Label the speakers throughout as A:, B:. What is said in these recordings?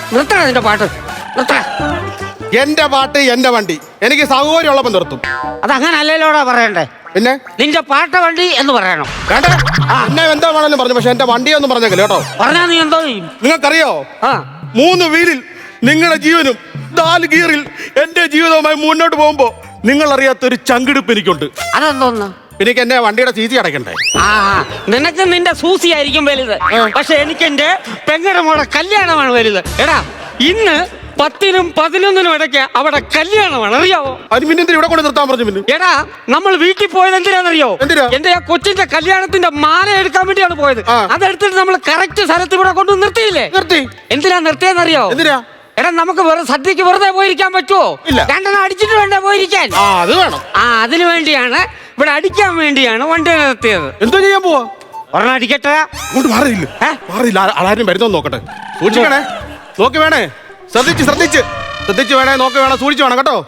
A: നിർത്തണ നിന്റെ പാട്ട്, നിർത്തണ.
B: എന്റെ പാട്ട് എന്റെ വണ്ടി, എനിക്ക് സൗകര്യമുള്ളപ്പം നിർത്തും.
A: അതങ്ങനല്ലോടാ പറയണ്ടേ.
B: പിന്നെ
A: നിന്റെ പാട്ട വണ്ടി എന്ന് പറയണം.
B: വേണ്ട, എന്നെ എന്താ വേണമെങ്കിലും പറഞ്ഞു, പക്ഷെ എന്റെ വണ്ടിയൊന്നും പറഞ്ഞേക്കില്ല കേട്ടോ.
A: പറഞ്ഞാ നീ എന്തോ ചെയ്യും?
B: നിങ്ങൾക്കറിയോ, 3 വീലിൽ നിങ്ങളുടെ ജീവനും 4 ഗിയറിൽ എന്റെ ജീവിതവുമായി മുന്നോട്ട് പോകുമ്പോ നിങ്ങൾ അറിയാത്തൊരു ചങ്കിടിപ്പ് എനിക്കുണ്ട്.
A: അതെന്തോന്ന്?
B: എനിക്ക് എന്റെ വണ്ടിയുടെ ചീച്ചി അടയ്ക്കണ്ടേ?
A: നിനക്ക് നിന്റെ സൂസി ആയിരിക്കും വലുത്, പക്ഷെ എനിക്ക് എന്റെ പെങ്ങളുടെ മോളെ കല്യാണമാണ് വലുത്. എടാ, ഇന്ന് 10-നും 11-നും ഇടയ്ക്ക് അവിടെ കല്യാണമാണ്, അറിയാവോ?
B: അത് പിന്നെ എന്തിനാ ഇവിടെ കൊണ്ട് നിർത്താൻ പറഞ്ഞു? പിന്നെ
A: എടാ, നമ്മൾ വീട്ടിൽ പോയത് എന്തിനാണെന്നറിയോ? എന്റെ ആ കൊച്ചിന്റെ കല്യാണത്തിന്റെ മാല എടുക്കാൻ വേണ്ടിയാണ് പോയത്. അതെടുത്തിട്ട് നമ്മൾ കറക്റ്റ് സ്ഥലത്ത് ഇവിടെ കൊണ്ട് നിർത്തിയില്ലേ?
B: നിർത്തി.
A: എന്തിനാ നിർത്തിയെന്നറിയോ?
B: എന്തിനാ?
A: എടാ, നമുക്ക് സദ്യക്ക് വെറുതെ പോയിരിക്കാൻ പറ്റുമോ?
B: ഇല്ല.
A: 2 അടിച്ചിട്ട് വേണ്ടേ പോയിരിക്കാൻ?
B: അത് വേണം.
A: അതിനു വേണ്ടിയാണ്, ഇവിടെ അടിക്കാൻ വേണ്ടിയാണ് വണ്ടി നിർത്തിയത്.
B: എന്തോ ചെയ്യാൻ പോവാ?
A: ഒരെണ്ണം അടിക്കട്ടെ.
B: അങ്ങോട്ട് മാറിയില്ല, ആരും വരുന്നോ നോക്കട്ടെ. സൂക്ഷിക്കണേ, നോക്കി വേണേ, ശ്രദ്ധിച്ച് വേണേ, നോക്കി വേണം, സൂക്ഷിച്ച് വേണം കേട്ടോ.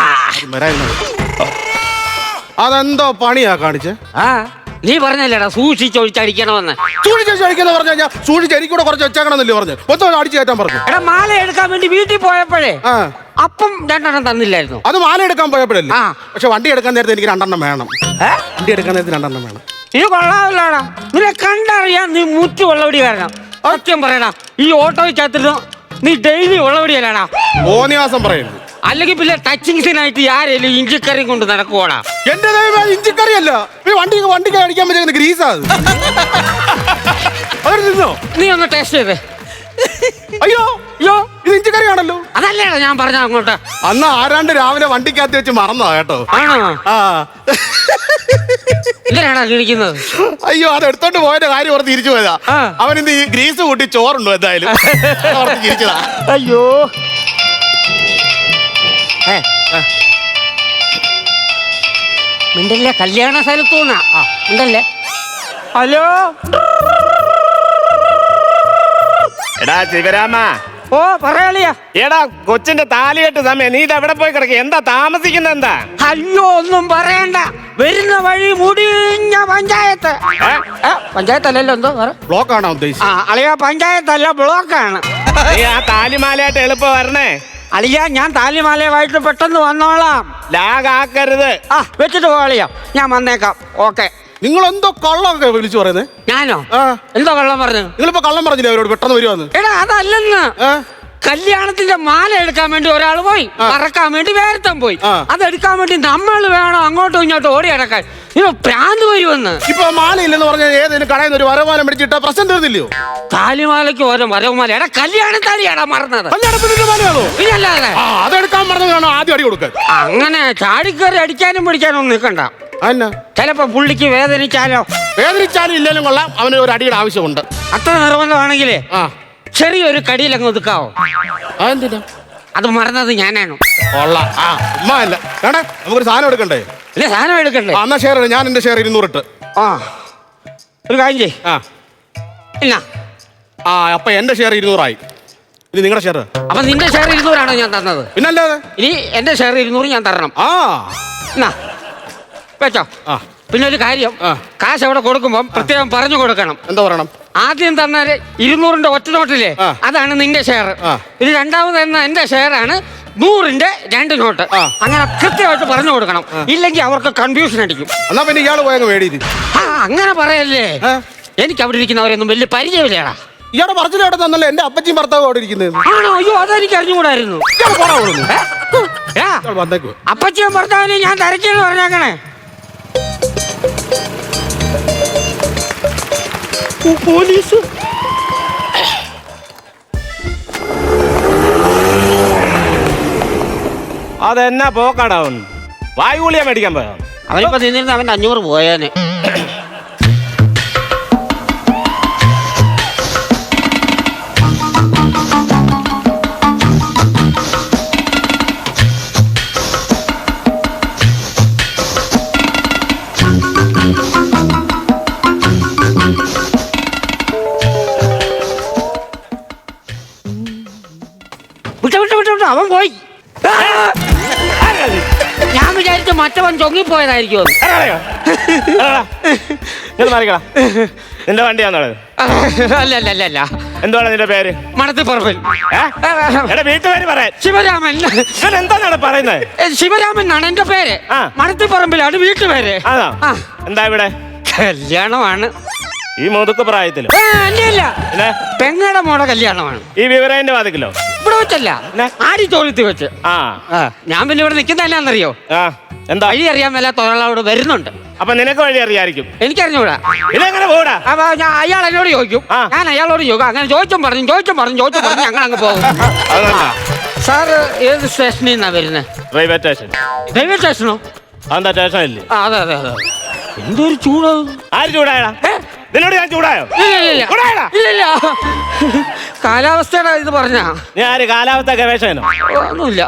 B: അതെന്തോ പണിയാ കാണിച്ചേ?
A: നീ പറഞ്ഞല്ലേടാ സൂക്ഷിച്ചൊഴിച്ചടിക്കണമെന്ന്.
B: സൂക്ഷിച്ചടിക്കുന്ന പറഞ്ഞാ സൂക്ഷിച്ചടിക്കൂടെ കുറച്ച് വെച്ചേക്കണമെന്നല്ലേ പറഞ്ഞു. മൊത്തം അടിച്ചു കയറ്റാൻ പറഞ്ഞു.
A: എടാ, മാല എടുക്കാൻ വേണ്ടി വീട്ടിൽ പോയപ്പോഴേ അപ്പം 2 തന്നില്ലായിരുന്നു.
B: അത് മാല എടുക്കാൻ പോയപ്പോഴല്ലേ? പക്ഷെ വണ്ടി എടുക്കാൻ നേരത്തെ എനിക്ക് 2 വേണം. വണ്ടി എടുക്കാൻ നേരത്തെ 2 വേണം.
A: ഇത് കൊള്ളാമല്ലോടാ, നിന്നെ കണ്ടറിയാൻ നീ മുറ്റു വെള്ളവടി കാരണം. സത്യം പറയടാ, ഈ ഓട്ടോയ്ക്കകത്തിരുന്നു നീ ഡെയിലി വെള്ളവടിയല്ലാടാ.
B: ഓനിയാസം പറയുന്നു.
A: അല്ലെങ്കിൽ പിന്നെ ടച്ചിങ്സിനായിട്ട് ആരെങ്കിലും ഇഞ്ചിക്കറി കൊണ്ട് നടക്കുവാടാ.
B: എന്റെ ഇഞ്ചിക്കറി അല്ല, വണ്ടിക്ക് അടിക്കാൻ പറ്റുന്ന ഗ്രീസാ.
A: നീ ഒന്ന് ടേസ്റ്റ് ചെയ്തേ.
B: അയ്യോ ഇത് ഇഞ്ചിക്കറിയാണല്ലോ.
A: അതല്ലേടാ ഞാൻ പറഞ്ഞ അങ്ങോട്ട്.
B: അന്ന് ആരാണ്ട് രാവിലെ വണ്ടിക്കകത്ത് വെച്ച് മറന്നതാ കേട്ടോ.
A: എന്തിനാടാ കിണിക്കുന്നത്?
B: അയ്യോ, അത് എടുത്തോണ്ട് പോയതിന്റെ കാര്യം ഓർത്ത് തിരിച്ചു പോയതാ. അവൻ ഇന്ന് ഈ ഗ്രീസ് കൂട്ടി ചോറുണ്ടോ എന്തായാലും തിരിച്ചതാ.
A: അയ്യോ, മിണ്ടല്ലേ, കല്യാണ സ്ഥലത്തൂന്നാ. മിണ്ടല്ലേ. ഹലോ,
C: എടാ ശിവരാമ.
A: ഓ പറയാളിയാ.
C: എടാ, കൊച്ചിന്റെ താലികെട്ട് സമയം, നീ എവിടെ പോയി കിടക്കുക? എന്താ താമസിക്കുന്ന? എന്താ?
A: അയ്യോ, ഒന്നും പറയണ്ട, വരുന്ന വഴി മുടിഞ്ഞ പഞ്ചായത്ത്. പഞ്ചായത്തല്ലല്ലോ, എന്തോ
B: ബ്ലോക്കാണോ ഉദ്ദേശിച്ചത്?
A: അളിയ, പഞ്ചായത്തല്ല, ബ്ലോക്കാണ്.
C: നീ ആ താലിമാലയായിട്ട് എളുപ്പം വരണേ.
A: അളിയ, ഞാൻ താലിമാലയുമായിട്ട് പെട്ടെന്ന് വന്നോളാം.
C: ലാഗാക്കരുത്.
A: വെച്ചിട്ട് പോളിയാ, ഞാൻ വന്നേക്കാം. ഓക്കെ.
B: നിങ്ങൾ എന്തോ കള്ളമൊക്കെ വിളിച്ചു പറയുന്നത്?
A: ഞാനോ? എന്തോ കള്ളം പറഞ്ഞു?
B: നിങ്ങളിപ്പോ കള്ളം പറഞ്ഞില്ലേ അവരോട് പെട്ടെന്ന് വരുവാന്ന്?
A: എടാ, അതല്ലെന്ന്. കല്യാണത്തിന്റെ മാല എടുക്കാൻ വേണ്ടി ഒരാൾ പോയി, പറക്കാൻ വേണ്ടി വേരത്തം പോയി. അതെടുക്കാൻ വേണ്ടി നമ്മൾ വേണം അങ്ങോട്ടും ഇങ്ങോട്ടും ഓടി അടക്കാൻ. പ്രാന്ത് വരുമെന്ന്.
B: ഇപ്പൊ മാല ഇല്ലെന്ന് പറഞ്ഞാൽ ഏതെങ്കിലും കടയിൽ നിന്ന് ഒരു വരമാല മേടിച്ചിട്ട പ്രശ്നം തീർന്നില്ലയോ?
A: താലിമാലയ്ക്ക് ഓരോ വരവുമാല. എടാ, കല്യാണ താലിയാടാ മറന്നത്.
B: പിന്നല്ലാതെ അതെടുക്കാൻ പറഞ്ഞതാണ് ആദ്യം അടി കൊടുക്കാൻ.
A: അങ്ങനെ ചാടിക്കറി അടിക്കാനും പിടിക്കാനും നിൽക്കണ്ട. ചിലപ്പോ പുള്ളിക്ക് വേദനിച്ചാലും
B: ഇല്ലെങ്കിലും കൊള്ളാം, അവന് ഒരു അടിയുടെ ആവശ്യമുണ്ട്.
A: അത്ര നിർബന്ധമാണെങ്കിലേ ചെറിയൊരു കടിയിൽ അങ്ങ് ഒതുക്കാവോ?
B: അതെന്തിനാ?
A: അത് മറന്നത് ഞാനാണ്.
B: നമുക്കൊരു സാധനം എടുക്കണ്ടേ?
A: ഇല്ല, സാധനം എടുക്കണ്ടേ?
B: എന്നാ ഷെയർ, ഞാൻ എന്റെ ഷെയർ 200 ഇട്ട്.
A: ഒരു കാര്യം ചെയ്. ഇല്ല,
B: അപ്പൊ എന്റെ ഷെയർ 200 ആയി. ഇനി നിങ്ങളുടെ ഷെയർ.
A: അപ്പൊ നിന്റെ ഷെയർ 200 ആണോ ഞാൻ തന്നത്?
B: പിന്നല്ലാതെ.
A: ഇനി എന്റെ ഷെയർ 200 ഞാൻ തരണം. വെച്ചോ. പിന്നെ ഒരു കാര്യം, കാശ് അവിടെ കൊടുക്കുമ്പോ പ്രത്യേകം പറഞ്ഞു കൊടുക്കണം.
B: എന്താ പറയണം?
A: ആദ്യം തന്നാല് 200ന്റെ ഒറ്റ നോട്ടില്ലേ, അതാണ് നിന്റെ ഷെയർ. ഇത് രണ്ടാമത് തന്ന എന്റെ ഷെയർ ആണ് 100ന്റെ 2 നോട്ട്. അങ്ങനെ കൃത്യമായിട്ട് പറഞ്ഞു കൊടുക്കണം, ഇല്ലെങ്കിൽ അവർക്ക് കൺഫ്യൂഷൻ അടിക്കും.
B: എന്നാ പിന്നെ ഇയാള് പോയ വേടി.
A: അങ്ങനെ പറയല്ലേ, എനിക്ക് അവിടെ ഇരിക്കുന്നവരൊന്നും വലിയ പരിചയമില്ലേടാ.
B: ഇയാളുടെ പറച്ചിലോടെ തന്നല്ലോ എന്റെ അപ്പച്ചിയും ഭർത്താവും അവിടെ ഇരിക്കുന്നത്.
A: ആണോ? അയ്യോ, അതെനിക്ക് അറിഞ്ഞുകൂടായിരുന്നു. അപ്പച്ചിയും ഭർത്താവിനെ ഞാൻ തിരക്കിയെന്ന് പറഞ്ഞേക്കണേ. പോലീസ്.
C: അതെന്നാ പോക്കാടാ? വായുഗുളിയ മേടിക്കാൻ പോയോ?
A: അവനിപ്പോ നിന്നിരുന്ന് അവന്റെ 500 പോയേനെ. അവൻ പോയി. ഞാൻ വിചാരിച്ചു മറ്റവൻ ചൊങ്ങിപ്പോയതായിരിക്കും.
C: നിന്റെ വണ്ടിയാണോ?
A: അല്ല അല്ല അല്ല അല്ല
C: എന്തുവാണ് നിന്റെ പേര്?
A: മണത്തിപ്പറമ്പിൽ.
C: എടാ വീട്ടുപേര് പറയാൻ.
A: ശിവരാമൻ.
C: ഇവൻ എന്താണ് പറയുന്നത്?
A: ശിവരാമൻ എന്നാണ് എന്റെ പേര്. മണത്തിപ്പറമ്പിലാണ് വീട്ടുപേര്.
C: എന്താ ഇവിടെ
A: കല്യാണമാണ്
C: ഈ മുതുക്ക് പ്രായത്തിലോ?
A: അല്ല പെങ്ങടെ മോടെ കല്യാണമാണ്.
C: ഈ വിവരന്റെ വാതിക്കലോ?
A: ഇവിടെ വെച്ചല്ല, ആടി തോളത്തി വെച്ച്. ഞാൻ പിന്നെ ഇവിടെ നിൽക്കുന്നതല്ലാന്നറിയോ?
C: എന്താ
A: വഴി അറിയാൻ മേലാത്ത ഒരാളോട് വരുന്നുണ്ട്.
C: അപ്പൊ നിനക്ക് വഴി അറിയായിരിക്കും.
A: എനിക്കറിഞ്ഞൂടാ.
C: ഇതെങ്ങനെ പോടാ?
A: അപ്പൊ അയാൾ എന്നോട് ചോദിക്കും, ഞാൻ അയാളോട് ചോദിക്കും. അങ്ങനെ ചോദിച്ചും പറഞ്ഞു ഞങ്ങൾ അങ്ങ് പോകും. സാറ് ഏത് സ്റ്റേഷനിൽ നിന്നാ വരുന്നത്?
C: Railway station.
A: റെയിൽവേ സ്റ്റേഷനോ?
C: അതെന്താ സ്റ്റേഷൻ ഇല്ലേ?
A: അതെ അതെ അതെ. എന്തൊരു ചൂട്!
C: ആര് ചൂടായടാ? നിന്നോട് ഞാൻ ചൂടായോ?
A: ഇല്ല, കാലാവസ്ഥയുടെ ഇത് പറഞ്ഞാ.
C: നീ ആര് കാലാവസ്ഥ ഗവേഷകനോ?
A: ഒന്നുമില്ല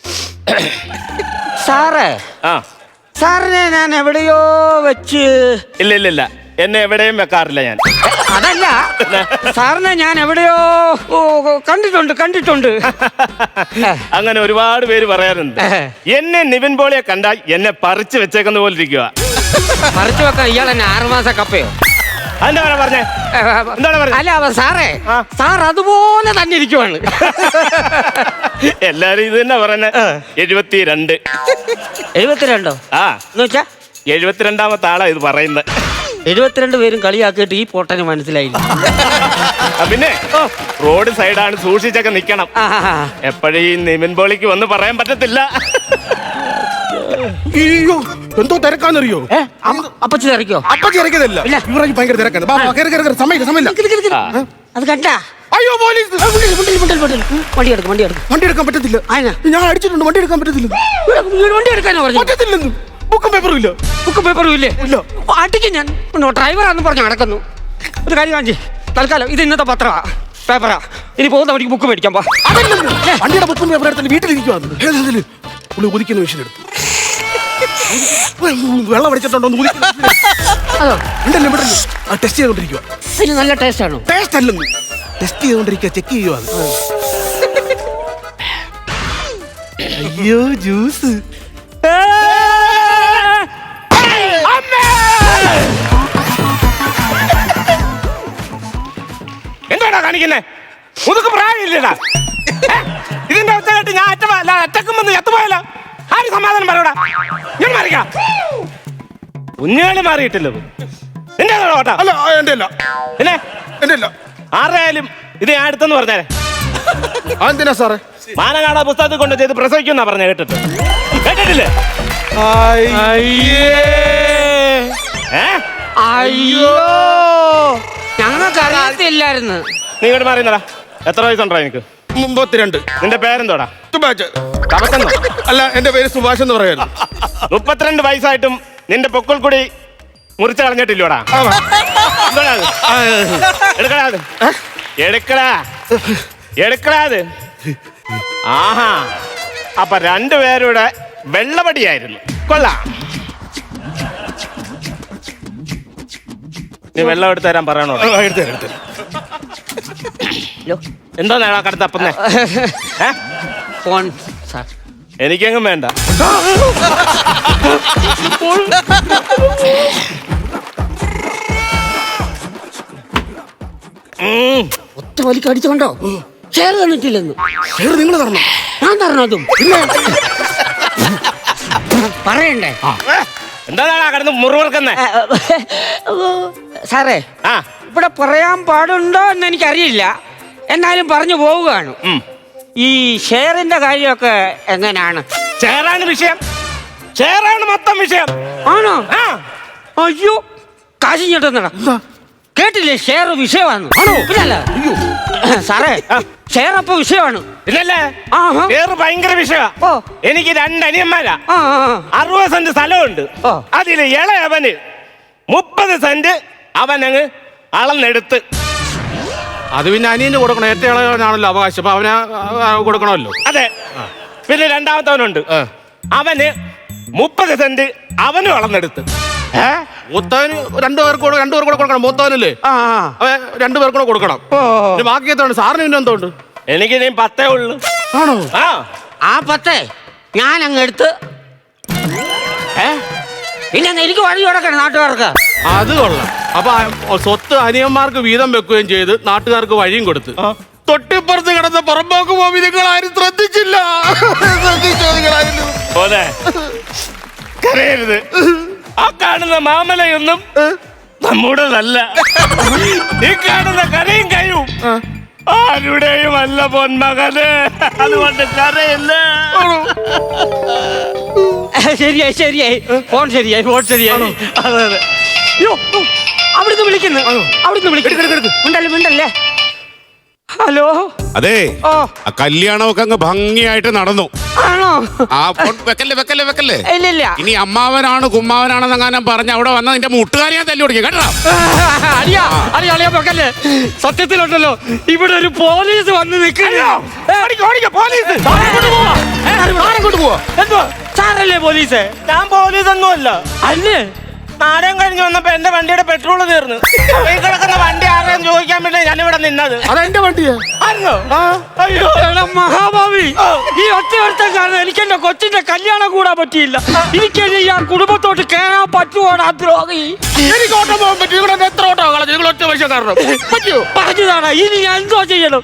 A: സാറേ. സാറിനെ ഞാൻ എവിടെയോ വെച്ച്.
C: ഇല്ല എന്നെ എവിടെയും വെക്കാറില്ല ഞാൻ.
A: അതല്ല, സാറിനെ ഞാൻ എവിടെയോ കണ്ടിട്ടുണ്ട്.
C: അങ്ങനെ ഒരുപാട് പേര് പറയാറുണ്ട്. എന്നെ നിവിൻ പോളിയെ കണ്ടാൽ എന്നെ പറിച്ചു വെച്ചേക്കുന്ന പോലെ ഇരിക്കുക.
A: പറിച്ചു വെക്കാൻ ഇയാൾ എന്നെ 6 മാസം കപ്പയോ?
C: അതെന്താ പറഞ്ഞേ?
A: അല്ല സാറേ, സാർ അതുപോലെ തന്നെ ഇരിക്കുവാണ്.
C: എല്ലാരും ഇത് തന്നെ പറഞ്ഞ. 72.
A: 72? എന്ന് വെച്ചാ
C: 72ാമത്തെ ആളാ ഇത് പറയുന്നത്.
A: 72 പേരും കളിയാക്കിയിട്ട് ഈ പൊട്ടന് മനസ്സിലായില്ല.
C: പിന്നെ റോഡ് സൈഡാണ്, സൂക്ഷിച്ചൊക്കെ നിക്കണം. എപ്പോഴും ഈ നിവിൻ പോളിക്ക് വന്ന് പറയാൻ പറ്റത്തില്ല.
B: അയ്യോ എന്തോ തിരക്കാന്നറിയോ?
A: അപ്പച്ചി തിരക്കോ?
B: അപ്പച്ചി ഇറക്കിയതല്ല, ഇവർക്ക് ഭയങ്കര തിരക്കാണ്. സമയമില്ല.
A: അത് കണ്ടാ?
B: അയ്യോ പോലീസ്!
A: വണ്ടി എടുക്കാൻ പറ്റത്തില്ല.
B: ഞാൻ അടിച്ചിട്ടുണ്ട്, വണ്ടി എടുക്കാൻ പറ്റത്തില്ല.
A: വണ്ടി എടുക്കാനോ പറഞ്ഞു?
B: പറ്റത്തില്ലെന്ന്. ബുക്കും പേപ്പറും ഇല്ലേ?
A: അടിക്കും ഞാൻ. ഡ്രൈവറാന്ന് പറഞ്ഞ് നടക്കുന്നു. ഒരു കാര്യം കാണിച്ച് തൽക്കാലം ഇത് ഇന്നത്തെ പേപ്പറാ. ഇനി പോകുന്ന വഴിക്ക് ബുക്ക് മേടിക്കാൻ പോ.
B: വണ്ടിയുടെ ബുക്കും പേപ്പർ എടുത്തിട്ട് വീട്ടിലിരിക്കുവാന്ന്. പുള്ളി ഉദിക്കുന്ന മെഷീൻ എടുത്തു. വെള്ളം അടിച്ചിട്ടുണ്ടോ? ടെസ്റ്റ് ചെയ്തോണ്ടിരിക്കുക.
A: അതിന് നല്ല ടേസ്റ്റ് ആണോ?
B: ടേസ്റ്റ് അല്ലെന്ന്, ടെസ്റ്റ് ചെയ്തോണ്ടിരിക്കുക, ചെക്ക് ചെയ്യുക. അയ്യോ ജ്യൂസ്!
C: എന്താടാ കാണിക്കുന്നേ? മുതുക്ക് പ്രായമില്ലടാ. ഇതിന്റെ അവസ്ഥ കേട്ട് ഞാൻ അറ്റക്കും വന്ന് ചത്തുപോയല്ലോ. ആര് സമാധാനം പറയൂടാ? ഞാൻ മാറിക്കാം. കുഞ്ഞുകളി മാറിയിട്ടില്ല. നിന്റെ ഓട്ടാ?
B: അല്ല എന്റെ അല്ല.
C: പിന്നെ
B: എന്റെ അല്ല.
C: ആരായാലും ഇത് ഞാൻ എടുത്തെന്ന് പറഞ്ഞേ.
B: അതെന്തിനാ സാറേ?
C: മാനകാട പുസ്തകത്തിൽ കൊണ്ട് ചെയ്ത് പ്രസവിക്കുന്നാ പറഞ്ഞ. കേട്ടിട്ടില്ലേ?
A: അയ്യോ ഞങ്ങൾക്ക് അറിയത്തില്ലായിരുന്നു.
C: നീ ഇങ്ങോട്ട് മാറിയുന്നടാ. എത്ര വയസ്സുണ്ടോ എനിക്ക്?
B: 32.
C: നിന്റെ പേരെന്തോടാ?
B: സുഭാഷ്.
C: തപസെന്നോ?
B: അല്ല, എന്റെ പേര് സുഭാഷ് എന്ന് പറയായിരുന്നു.
C: 32 വയസ്സായിട്ടും നിന്റെ പൊക്കിൾ കൂടി മുറിച്ച് കളഞ്ഞിട്ടില്ലോടാ? എടുക്കടാത്. ആഹാ, അപ്പൊ 2 പേരുടെ വെള്ളപടിയായിരുന്നു. കൊള്ളാം. നീ വെള്ളം എടുത്ത് തരാൻ പറയണോ? എന്താ നേടാ കടത്തപ്പന്നേ?
A: Phone sir.
C: എനിക്കെങ്ങും വേണ്ട.
A: ഒറ്റ വലിക്ക് അടിച്ചോണ്ടോ? ഷെയർ തന്നിട്ടില്ലെന്ന്.
B: ഷെയർ നിങ്ങൾ തരണം.
A: ഞാൻ തരണം. അതും പറയണ്ടേ?
C: എന്താണ് കടന്ന് മുറിവർക്കുന്നേ?
A: സാറേ, ഇവിടെ പറയാൻ പാടുണ്ടോ എന്ന് എനിക്കറിയില്ല, എന്നാലും പറഞ്ഞു പോവുകയാണ്. ഈ ഷെയറിന്റെ കാര്യമൊക്കെ എങ്ങനെയാണ്?
C: ഷെയറാണ് വിഷയം. ഷെയറാണ് മൊത്തം വിഷയം.
A: ആണോ? അയ്യോ കാശ് ഞെട്ടുന്നടാ. കേട്ടില്ലേ? ഷെയർ വിഷയമാണ്. സാറേ, ഷെയർ അപ്പൊ വിഷയമാണ്.
C: ഇല്ലല്ലേ? ഷെയർ ഭയങ്കര വിഷയമാ. എനിക്ക് 2 അനിയന്മാരാ. 60 സെന്റ് സ്ഥലമുണ്ട്. അതില് ഇളയവന് 30 സെന്റ് അവനങ്ങ് അളന്നെടുത്ത്.
B: അത് പിന്നെ അനിയന് കൊടുക്കണം. ഏറ്റവും ഇളയവനാണല്ലോ അവകാശം, അപ്പൊ അവന് കൊടുക്കണമല്ലോ.
C: അതെ. പിന്നെ രണ്ടാമത്തവനുണ്ട്. അവന് 30 സെന്റ് അവനും അളന്നെടുത്ത്.
B: മൂത്തവന് 2 പേർക്ക് കൊടുക്കണം. മൂത്തവനല്ലേ? അവൻ 2 പേർക്കൂടെ കൊടുക്കണം. ബാക്കി എത്ര? സാറിന് പിന്നെ എന്തോ ഉണ്ട്?
C: എനിക്ക് നീ 10 ഉള്ളു.
B: ആണോ?
A: ആ 10 ഞാൻ അങ്ങ് എടുത്ത്. പിന്നെ എനിക്ക് വഴി കൊടുക്കണം നാട്ടുകാർക്ക്.
B: അത് കൊള്ളാം. അപ്പൊ സ്വത്ത് അനിയന്മാർക്ക് വീതം വെക്കുകയും ചെയ്ത് നാട്ടുകാർക്ക് വഴിയും കൊടുത്ത് തൊട്ടിപ്പുറത്ത് കിടന്ന പുറമ്പോക്ക് പോയി നിങ്ങൾ ആരും ശ്രദ്ധിച്ചില്ല. ശ്രദ്ധിച്ചോ നിങ്ങളായിരുന്നു?
C: പോലെ കരയരുത്. ആ കാണുന്ന മാമലയൊന്നും നമ്മുടേതല്ല. ഈ കാണുന്ന കരയും കയ്യും ആരുടെയും അല്ല പൊന്മകന്. അതുകൊണ്ട് കരയില്ല.
A: ശരിയായി ഫോൺ ശരിയായി. അതെ അയ്യോ അവിടുന്ന് വിളിക്കുന്നു. മിണ്ടല്ലേ. ഹലോ.
D: അതെ,
A: ഓ
D: ആ കല്യാണമൊക്കെ അങ്ങ് ഭംഗിയായിട്ട് നടന്നു.
A: ആണോ?
D: ആ വെക്കല്ലേ.
A: ഇല്ല.
D: ഇനി അമ്മാവനാണ് കുമ്മാവനാണെന്ന് അങ്ങനെ പറഞ്ഞ അവിടെ വന്ന നിന്റെ മുട്ടുകാരെ ഞാൻ തല്ലി കൊടുക്കും കേട്ടോ.
A: അറിയാ വെക്കല്ലേ. സത്യത്തിലുണ്ടല്ലോ ഇവിടെ ഒരു പോലീസ് വന്ന് നിൽക്കുന്നു.
C: പോലീസ്
A: എന്തോ സാറല്ലേ പോലീസ്?
C: ഞാൻ പോലീസ് ഒന്നുമല്ല.
A: അല്ലേ?
C: നാടകം കഴിഞ്ഞ് വന്നപ്പോ എന്റെ വണ്ടിയുടെ പെട്രോൾ തീർന്നു. ഈ കിടക്കുന്ന വണ്ടി ആരെയും ചോദിക്കാൻ വേണ്ടി ഞാനിവിടെ നിന്നത്.
B: അതെന്റെ വണ്ടിയാ.
C: ആയിരുന്നോ?
A: അയ്യോ എടാ മഹാഭാവി, ഈ ഒറ്റ കാരണം എനിക്ക് എന്റെ കൊച്ചിന്റെ കല്യാണം കൂടാൻ പറ്റിയില്ല. എനിക്ക് ആ കുടുംബത്തോട്ട് കേറാൻ പറ്റുമോടാ ദ്രോഹി?
B: എനിക്ക് ഓട്ടം പോകാൻ പറ്റും. ഇവിടെ എത്ര ഓട്ടോ കളഞ്ഞു? നിങ്ങൾ ഒറ്റ പൈസ കാരണം പറ്റുമോ?
A: പറഞ്ഞതാണ്. ഇനി ഞാൻ എന്തോ ചെയ്യണം?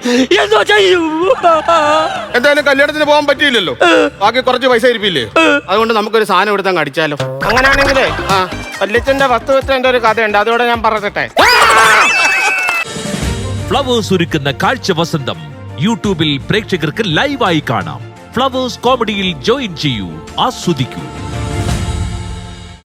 B: എന്തായാലും കല്യാണത്തിന് പോകാൻ പറ്റിയില്ലല്ലോ. ബാക്കി കുറച്ച് പൈസ ഇരിപ്പില്ലേ? അതുകൊണ്ട് നമുക്കൊരു സാധനം എടുത്തങ്ങ് അടിച്ചാലോ?
C: അങ്ങനെയാണെങ്കിലേ വല്യച്ഛന്റെ വസ്തുവെച്ചതിന്റെ ഒരു കഥയുണ്ട്, അതോടെ ഞാൻ പറഞ്ഞിട്ടെ.
E: ഫ്ലവേഴ്സ് ഒരുക്കുന്ന കാഴ്ച വസന്തം യൂട്യൂബിൽ പ്രേക്ഷകർക്ക് ലൈവായി കാണാം. ഫ്ലവേഴ്സ് കോമഡിയിൽ ജോയിൻ ചെയ്യൂ, ആസ്വദിക്കൂ.